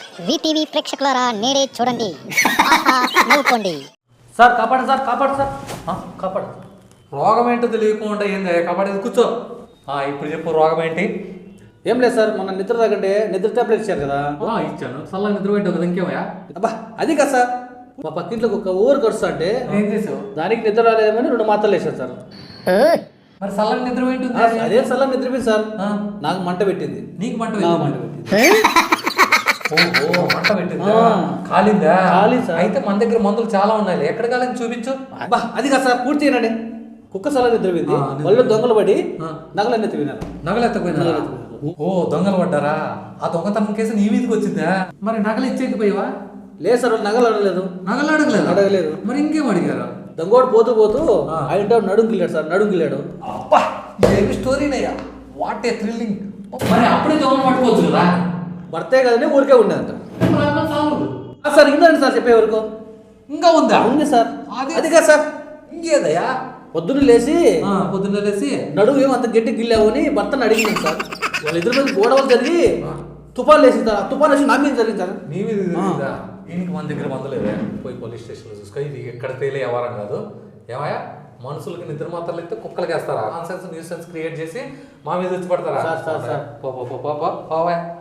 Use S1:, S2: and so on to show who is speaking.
S1: VTV ప్రేక్షకులారా నేడే చూడండి నవ్వుకోండి.
S2: సార్ కాపాడు సార్, కాపాడు సార్, కాపాడు.
S3: రోగం ఏంటో తెలియకుండా ఏంది కాపాడేది, కూర్చో. ఇప్పుడు చెప్పు, రోగం ఏంటి?
S2: ఏం లేదు సార్, మొన్న నిద్ర తాగంటే నిద్ర టాబ్లెట్ ఇచ్చారు కదా.
S3: ఇచ్చాను, చల్లగా నిద్ర పెట్టావు కదా, ఇంకేమయ్యా?
S2: అబ్బా అది కదా సార్, మా పక్కింట్లోకి ఒక ఊరు ఖర్చు అంటే
S3: ఏం చేసావు?
S2: దానికి నిద్ర రాలేదేమని 2 మాత్రలు వేసారు సార్.
S3: మరి చల్లగా నిద్ర పెట్టింది.
S2: అదే సల్లా నిద్రపోయింది సార్. నాకు మంట పెట్టింది.
S3: నీకు మంట
S2: మంట పెట్టింది.
S3: ఓహో, మంట పెట్టిందా? కాలిందా?
S2: కాలింది సార్.
S3: అయితే మన దగ్గర మందులు చాలా ఉన్నాయి, ఎక్కడ కాలని చూపించు.
S2: అబ్బా అది కదా సార్, పూర్తి చేయనండి. కుక్క సలా నిద్రపోయింది, వాళ్ళు దొంగలు పడి నగలన్నీ తిన్నారు.
S3: నగలెత్తపోయినా? ఓ, దొంగలు పడ్డారా? ఆ దొంగతనం కేసు నీ మీదకి వచ్చిందా? మరి నగలు ఇచ్చేకపోయావా?
S2: లేదు సార్, వాళ్ళు నగలు అడగలేదు.
S3: నగలు అడగలేదు. మరి ఇంకేం అడిగారు?
S2: దొంగోడు పోతూ పోతూ ఆయన నడుంగిల్లాడు సార్, నడుంగిల్లాడు.
S3: అబ్బా, ఏమి స్టోరీనయ్యా, వాట్ ఏ థ్రిల్లింగ్. మరి అప్పుడే దొంగలు పట్టుకోవచ్చు కదా.
S2: భర్తే కదండి, ఊరికే ఉండేదంట సార్. ఇందండి సార్ చెప్పే వరకు.
S3: ఇంకా ఉందా?
S2: ఉంది సార్. అది కదా సార్,
S3: ఇంకేదయ్యా?
S2: పొద్దున్న లేచి నడువు ఏమంత గట్టి గిల్లావు అని భర్తను అడిగింది సార్. వాళ్ళ ఇద్దరి మీద గొడవలు జరిగి తుఫాన్ లేసింది సార్. తుఫాన్ వేసి నా మీద జరిగింది సార్.
S3: నీ మీద జరిగిందా? దీనికి మన దగ్గర మందులేదే, పోయి పోలీస్ స్టేషన్లో చూసుకో. ఇది ఎక్కడ తేలే వ్యవహారం కాదు. ఏమయ్యా, మనుషులకి నిద్ర మాత్రలు అయితే కుక్కలకి వేస్తారా? నాన్సెన్స్ న్యూసెన్స్ క్రియేట్ చేసి మా మీద వచ్చి పడతారా?
S2: సార్
S3: పోవా.